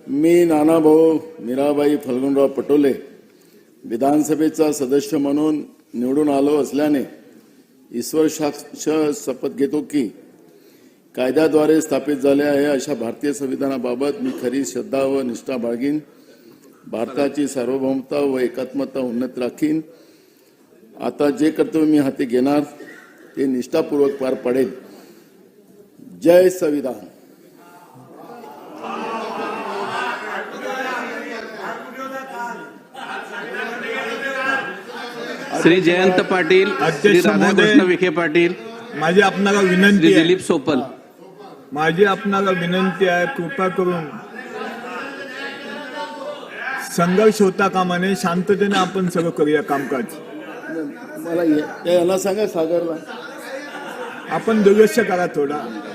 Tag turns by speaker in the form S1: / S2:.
S1: मी नानाभाऊ मीराबाई फल्गुनराव पटोले विधानसभेचा सदस्य म्हणून निवडून आलो असल्याने ईश्वर साक्ष शपथ घेतो की कायद्याद्वारे स्थापित झाले आहे अशा भारतीय संविधानाबाबत मी खरी श्रद्धा व निष्ठा बाळगीन, भारताची सार्वभौमता व एकात्मता उन्नत राखीन। आता जे कर्तव्य मी हाती घेणार ते निष्ठापूर्वक पार पाडेल। जय संविधान।
S2: श्री जयंत पाटील, श्री राधाकृष्ण विखे पाटील,
S3: माझी आपणाला विनंती
S2: श्री
S3: आहे,
S2: दिलीप सोपल,
S3: माझी आपणाला विनंती आहे, कृपा करून संघर्ष होता कामा नये, शांततेने आपण सगळं करूया कामकाज।
S1: मला याला सांगा सागरला
S3: आपण दुर्लक्ष करा थोडा।